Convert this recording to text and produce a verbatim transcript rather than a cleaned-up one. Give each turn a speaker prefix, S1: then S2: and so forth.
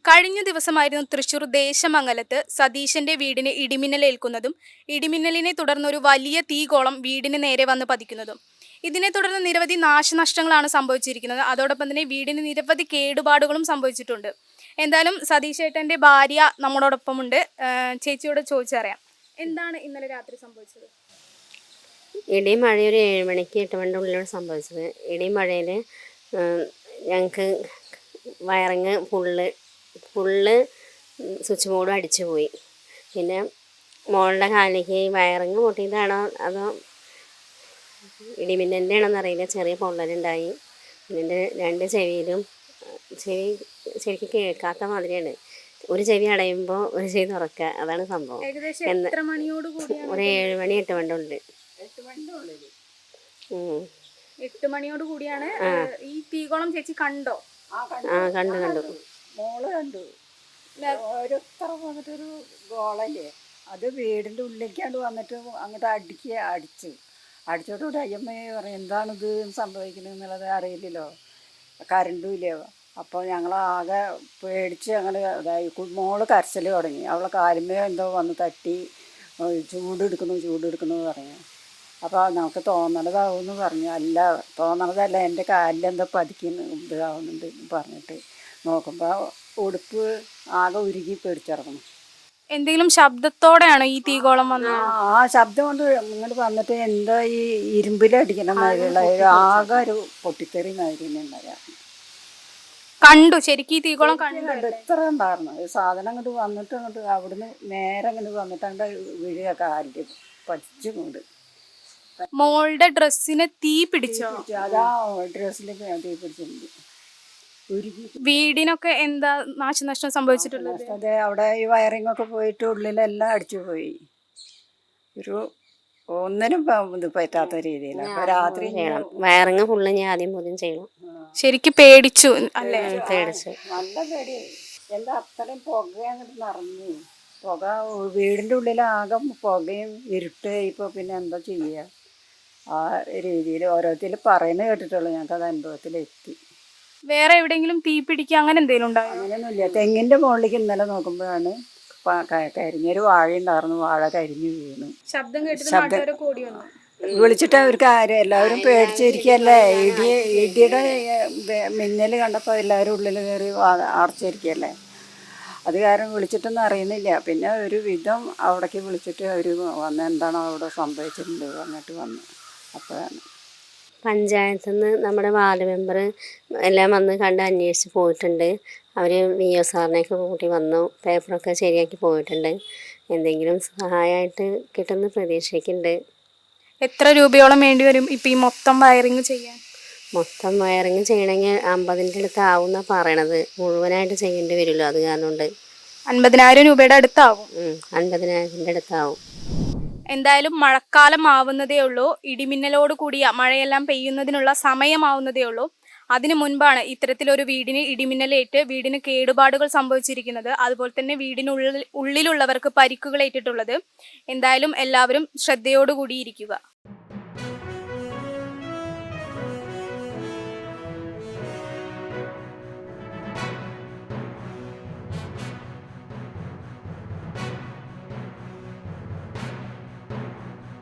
S1: കഴിഞ്ഞ ദിവസമായിരുന്നു തൃശൂർ ദേശമംഗലത്ത് സതീശന്റെ വീടിന് ഇടിമിന്നലേൽക്കുന്നതും ഇടിമിന്നലിനെ തുടർന്നൊരു വലിയ തീഗോളം വീടിന് നേരെ വന്ന് പതിക്കുന്നതും. ഇതിനെ തുടർന്ന് നിരവധി നാശനഷ്ടങ്ങളാണ് സംഭവിച്ചിരിക്കുന്നത്. അതോടൊപ്പം തന്നെ വീടിന് നിരവധി കേടുപാടുകളും സംഭവിച്ചിട്ടുണ്ട്. എന്തായാലും സതീശേട്ടന്റെ ഭാര്യ നമ്മളോടൊപ്പമുണ്ട്. ചേച്ചിയോട് ചോദിച്ചറിയാം, എന്താണ് ഇന്നലെ രാത്രി സംഭവിച്ചത്?
S2: ഇടിയും മഴ ഒരു ഏഴ് മണിക്ക് എട്ട് മണിൻ്റെ ഉള്ളിലാണ് സംഭവിച്ചത്. ഇടിയും മഴയിൽ ഞങ്ങൾക്ക് വയറിങ് ഫുള്ള് ഫുള്ള് സ്വിച്ച് ബോർഡും അടിച്ചു പോയി. പിന്നെ മോളുടെ കാലിലേക്ക് വയറിങ് പൊട്ടിയതാണോ അതോ ഇടിമിന്നലിൻ്റെ ആണോന്ന് അറിയില്ല, ചെറിയ പൊള്ളലുണ്ടായി. പിന്നെ രണ്ട് ചെവിയിലും ചെവി ശരിക്കും കേൾക്കാത്ത മാതിരിയാണ്. ഒരു ചെവി അടയുമ്പോൾ ഒരു ചെവി തുറക്കുക, അതാണ് സംഭവം. ഒരു ഏഴ് മണി എട്ട് മണിൻ്റെ ഉള്ളിൽ
S1: എട്ട് മണിയോട് കൂടിയാണ് ഈ തീകോളം. ചേച്ചി കണ്ടോ?
S2: ആ കണ്ടു കണ്ടു
S3: മോള് കണ്ടു. ഓരോരുത്തർ വന്നിട്ടൊരു ഗോളല്ലേ, അത് വീടിൻ്റെ ഉള്ളിലേക്കാണ്ട് വന്നിട്ട് അങ്ങോട്ട് അടിക്കുക, അടിച്ച് അടിച്ചോടുകൂടി അയ്യമ്മയെ പറയും എന്താണിത് സംഭവിക്കുന്നത് എന്നുള്ളത് അറിയില്ലല്ലോ, കരണ്ടും ഇല്ല. അപ്പോൾ ഞങ്ങളാകെ പേടിച്ച് ഞങ്ങൾ ഇതായി. മോള് കരച്ചിൽ തുടങ്ങി. അവളെ കാലുമേ എന്തോ വന്ന് തട്ടി ചൂടെടുക്കുന്നു ചൂടെടുക്കുന്നു പറഞ്ഞു. അപ്പോൾ നമുക്ക് തോന്നണതാവുമെന്ന് പറഞ്ഞു. അല്ല തോന്നണതല്ല, എൻ്റെ കാലിലെന്തോ പതിക്കുന്നു ഇതാവുന്നുണ്ട് പറഞ്ഞിട്ട് നോക്കുമ്പോൾ ഉടുപ്പ് ആകെ ഉരുകി പേടിച്ചിറങ്ങുന്നു.
S1: എന്തെങ്കിലും ശബ്ദത്തോടെയാണ് ഈ തീകോളം വന്നത്?
S3: ആ ശബ്ദം കൊണ്ട് ഇങ്ങോട്ട് വന്നിട്ട് എന്തോ ഈ ഇരുമ്പിലടിക്കുന്ന മാതിരിയുള്ള ആകെ ഒരു പൊട്ടിത്തെറി മാതിരി ഉണ്ടായിരുന്നു.
S1: കണ്ടു ശരിക്കും ഈ തീകോളം കണ്ടു.
S3: ഇത്ര ഉണ്ടായിരുന്നു സാധനം അങ്ങോട്ട് വന്നിട്ട് അങ്ങോട്ട് അവിടുന്ന് നേരെ അങ്ങോട്ട് വന്നിട്ട് അങ്ങോട്ട് വീഴുക, കാലിൽ പതിച്ചു കൊണ്ട്.
S1: മോളുടെ ഡ്രസ്സിന് തീ പിടിച്ചോ?
S3: അതാ ഡ്രസ്സിൽ തീ പിടിച്ചിട്ടുണ്ട്.
S1: വീടിനൊക്കെ എന്താ നാശനഷ്ടം സംഭവിച്ചിട്ടുള്ളത്?
S3: അതെ, അവിടെ ഈ വയറിംഗ് ഒക്കെ പോയിട്ട് ഉള്ളിലെല്ലാം അടിച്ചു പോയി. ഒരു ഒന്നിനും ഇത് പറ്റാത്ത രീതിയിൽ രാത്രി
S2: വയറിങ് ഫുള്ള് ഞാൻ ആദ്യം പോലും ചെയ്യണം.
S1: ശരിക്കും പേടിച്ചു അല്ലേ?
S2: പേടിച്ചു,
S3: നല്ല പേടി. എന്താ അത്രയും പുക അങ്ങോട്ട് നിറഞ്ഞു. പുക വീടിൻ്റെ ഉള്ളിലാകെ പുകയും ഇരുട്ട്. ഇപ്പോൾ പിന്നെ എന്താ ചെയ്യുക? ആ രീതിയിൽ ഓരോരുത്തർ പറയുന്നത് കേട്ടിട്ടുള്ളൂ, ഞങ്ങൾക്ക് അത് അനുഭവത്തിലെത്തി.
S1: വേറെ എവിടെയെങ്കിലും തീ പിടിക്കുക അങ്ങനെ എന്തെങ്കിലും ഉണ്ടായോ?
S3: അങ്ങനെയൊന്നുമില്ല. തെങ്ങിൻ്റെ മുകളിലേക്ക് ഇന്നലെ നോക്കുമ്പോഴാണ് കരിഞ്ഞൊരു വാഴ ഉണ്ടായിരുന്നു, വാഴ കരിഞ്ഞു വീണു.
S1: ശബ്ദം കേട്ടിട്ട്
S3: വിളിച്ചിട്ട് അവർക്ക് ആരും എല്ലാവരും പേടിച്ചിരിക്കുകയല്ലേ. ഇടി ഇടിയുടെ മിന്നൽ കണ്ടപ്പോൾ എല്ലാവരും ഉള്ളിൽ കയറി അടച്ചിരിക്കുകയല്ലേ. അത് കാരണം വിളിച്ചിട്ടൊന്നും അറിയുന്നില്ല. പിന്നെ ഒരു വിധം അവിടേക്ക് വിളിച്ചിട്ട് അവർ വന്ന് എന്താണോ അവിടെ സംഭവിച്ചിട്ടുണ്ട് അങ്ങോട്ട് വന്നു. അപ്പോഴാണ്
S2: പഞ്ചായത്തിൽ നിന്ന് നമ്മുടെ വാർഡ് മെമ്പർ എല്ലാം വന്ന് കണ്ട് അന്വേഷിച്ച് പോയിട്ടുണ്ട്. അവർ വി ഒ സാറിനെയൊക്കെ കൂട്ടി വന്നു, പേപ്പറൊക്കെ ശരിയാക്കി പോയിട്ടുണ്ട്. എന്തെങ്കിലും സഹായമായിട്ട് കിട്ടുന്ന പ്രതീക്ഷിക്കുന്നുണ്ട്.
S1: എത്ര രൂപയോളം വേണ്ടി വരും ഇപ്പം ഈ മൊത്തം വയറിങ് ചെയ്യാൻ?
S2: മൊത്തം വയറിങ് ചെയ്യണമെങ്കിൽ അമ്പതിൻ്റെ അടുത്ത് ആവുന്ന പറയണത്. മുഴുവനായിട്ട് ചെയ്യേണ്ടി വരുമല്ലോ, അത് കാരണം കൊണ്ട്
S1: അൻപതിനായിരം രൂപയുടെ അടുത്താവും.
S2: അൻപതിനായിരത്തിൻ്റെ അടുത്താവും.
S1: എന്തായാലും മഴക്കാലം ആവുന്നതേ ഉള്ളൂ. ഇടിമിന്നലോട് കൂടിയ മഴയെല്ലാം പെയ്യുന്നതിനുള്ള സമയമാവുന്നതേ ഉള്ളൂ. അതിനു മുൻപാണ് ഇത്തരത്തിലൊരു വീടിന് ഇടിമിന്നലേറ്റ് വീടിന് കേടുപാടുകൾ സംഭവിച്ചിരിക്കുന്നത്. അതുപോലെ തന്നെ വീടിനുള്ളിൽ ഉള്ളിലുള്ളവർക്ക് പരിക്കുകൾ ഏറ്റിട്ടുള്ളത്. എന്തായാലും എല്ലാവരും ശ്രദ്ധയോടുകൂടിയിരിക്കുക.